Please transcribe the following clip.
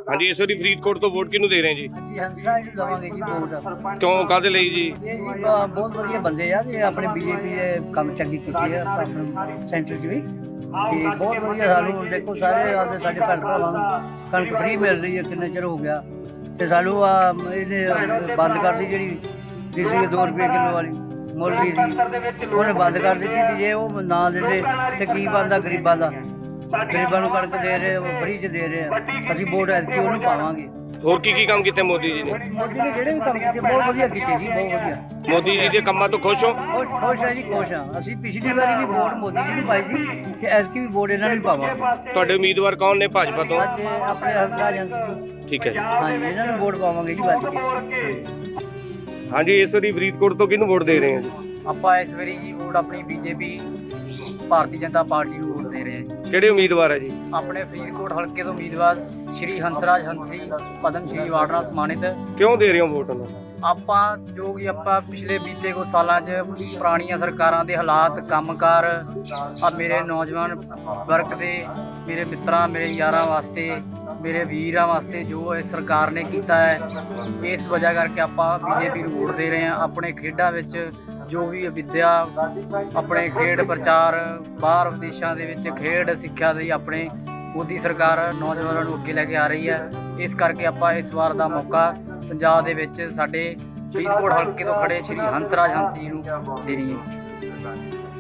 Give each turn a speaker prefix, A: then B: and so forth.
A: ਹਾਂਜੀ, ਇਸ ਵਾਰੀ ਫਰੀਦਕੋਟ ਤੋਂ ਵੋਟ ਕਿਹਨੂੰ ਦੇ ਰਹੇ ਜੀ?
B: ਜੀ ਹੰਸਰਾਜ ਨੂੰ ਦੇਵਾਂਗੇ ਜੀ ਵੋਟ।
A: ਕਿਉਂ, ਕਾਹਦੇ ਲਈ ਜੀ?
B: ਇਹ ਜੀ ਬਹੁਤ ਵਧੀਆ ਬੰਦੇ ਆ ਤੇ ਆਪਣੇ ਬੀਜੇਪੀ ਦੇ ਕੰਮ ਚੰਗੀ ਕੀਤੀ ਆ ਆਪਣੇ ਸੈਂਟਰ 'ਚ ਵੀ ਤੇ ਬਹੁਤ ਵਧੀਆ। ਸਾਨੂੰ ਦੇਖੋ ਸਾਰੇ ਆਦੇ ਸਾਡੇ ਭੈਣ ਭਰਾਵਾਂ ਨੂੰ ਕਣਕ ਫ੍ਰੀ ਮਿਲ ਰਹੀ ਹੈ, ਕਿੰਨਾ ਚਿਰ ਹੋ ਗਿਆ ਤੇ ਸਾਨੂੰ ਇਹਨੇ ਬੰਦ ਕਰਦੀ ਜਿਹੜੀ ਤੀਸਰੀ 2 ਰੁਪਏ ਕਿਲੋ ਵਾਲੀ ਮੁੱਲ ਦੀ ਸੀ, ਉਹਨੇ ਬੰਦ ਕਰ ਦਿੱਤੀ ਤੇ ਜੇ ਉਹ ਨਾ ਦਿੰਦੇ ਤੇ ਕੀ ਬਣਦਾ ਗਰੀਬਾਂ ਦਾ। ਗਰੀਬਾਂ ਨੂੰ ਕਣਕ ਦੇ ਰਹੇ, ਫ੍ਰੀ 'ਚ ਦੇ ਰਹੇ ਆ। ਅਸੀਂ ਵੋਟ ਐਤਕੀ ਉਹਨੂੰ ਪਾਵਾਂਗੇ।
A: ਹੋਰ ਕੀ ਕੰਮ ਕੀਤੇ ਮੋਦੀ ਜੀ ਨੇ?
B: ਮੋਦੀ ਨੇ ਜਿਹੜੇ ਵੀ ਕੰਮ ਕੀਤੇ ਬਹੁਤ ਵਧੀਆ ਕੀਤੇ ਜੀ, ਬਹੁਤ ਵਧੀਆ।
A: ਮੋਦੀ ਜੀ ਦੇ ਕੰਮਾਂ ਤੋਂ ਖੁਸ਼ ਹੋ?
B: ਖੁਸ਼ ਹੈ ਜੀ, ਖੁਸ਼ ਆ। ਅਸੀਂ ਪਿਛਲੀ ਵਾਰੀ ਵੀ ਵੋਟ ਮੋਦੀ ਜੀ ਨੂੰ ਪਾਈ ਸੀ ਤੇ ਐਤਕੀ ਵੀ ਵੋਟ ਇਹਨਾਂ ਨੂੰ ਹੀ ਪਾਵਾਂਗੇ।
A: ਤੁਹਾਡੇ ਉਮੀਦਵਾਰ ਕੌਣ ਨੇ ਭਾਜਪਾ ਤੋਂ?
B: ਅੱਜ ਆਪਣੇ ਹੰਸਰਾਜ ਹੰਸ
A: ਠੀਕ ਹੈ ਜੀ।
B: ਹਾਂਜੀ, ਇਹਨਾਂ ਨੂੰ ਵੋਟ ਪਾਵਾਂਗੇ ਜੀ ਵੱਧ ਕੇ।
A: ਹਾਂਜੀ, ਇਸ ਵਾਰੀ ਫਰੀਦਕੋਟ ਤੋਂ ਕਿਹਨੂੰ ਵੋਟ ਦੇ ਰਹੇ ਹੋ ਜੀ?
B: ਆਪਾਂ ਇਸ ਵਾਰੀ ਜੀ ਵੋਟ ਆਪਣੀ ਬੀਜੇਪੀ ਭਾਰਤੀ ਜਨਤਾ ਪਾਰਟੀ ਨੂੰ ਵੋਟ ਦੇ ਰਹੇ ਹਾਂ ਜੀ।
A: ਕਿਹੜੇ ਉਮੀਦਵਾਰ ਹੈ ਜੀ?
B: ਆਪਣੇ ਫਰੀਦਕੋਟ ਹਲਕੇ ਤੋਂ ਉਮੀਦਵਾਰ ਸ਼੍ਰੀ ਹੰਸਰਾਜ ਹੰਸੀ ਪਦਮ ਸ਼੍ਰੀ ਅਵਾਰਡ ਨਾਲ ਸਨਮਾਨਿਤ।
A: ਕਿਉਂ ਦੇ ਰਹੇ ਹੋ ਵੋਟ ਉਹਨਾਂ ਨੂੰ?
B: ਆਪਾਂ ਜੋ ਕਿ ਆਪਾਂ ਪਿਛਲੇ ਬੀਤੇ ਕੁਝ ਸਾਲਾਂ 'ਚ ਪੁਰਾਣੀਆਂ ਸਰਕਾਰਾਂ ਦੇ ਹਾਲਾਤ, ਕੰਮਕਾਰ ਆ ਮੇਰੇ ਨੌਜਵਾਨ ਵਰਗ ਦੇ, ਮੇਰੇ ਮਿੱਤਰਾਂ, ਮੇਰੇ ਯਾਰਾਂ ਵਾਸਤੇ, ਮੇਰੇ ਵੀਰਾਂ ਵਾਸਤੇ ਜੋ ਇਹ ਸਰਕਾਰ ਨੇ ਕੀਤਾ ਹੈ, ਇਸ ਵਜ੍ਹਾ ਕਰਕੇ ਆਪਾਂ ਬੀਜੇਪੀ ਨੂੰ ਵੋਟ ਦੇ ਰਹੇ ਹਾਂ। ਆਪਣੇ ਖੇਡਾਂ ਵਿੱਚ ਜੋ ਵੀ ਵਿੱਦਿਆ, ਆਪਣੇ ਖੇਡ ਪ੍ਰਚਾਰ, ਬਾਹਰ ਵਿਦੇਸ਼ਾਂ ਦੇ ਵਿੱਚ ਖੇਡ ਸਿੱਖਿਆ ਦੀ ਆਪਣੇ ਮੋਦੀ ਸਰਕਾਰ ਨੌਜਵਾਨਾਂ ਨੂੰ ਅੱਗੇ ਲੈ ਕੇ ਆ ਰਹੀ ਹੈ। ਇਸ ਕਰਕੇ ਆਪਾਂ ਇਸ ਵਾਰ ਦਾ ਮੌਕਾ ਪੰਜਾਬ ਦੇ ਵਿੱਚ ਸਾਡੇ ਫਰੀਦਕੋਟ ਹਲਕੇ ਤੋਂ ਖੜੇ ਸ਼੍ਰੀ ਹੰਸਰਾਜ ਹੰਸ ਜੀ ਨੂੰ ਦੇਣੀ ਹੈ।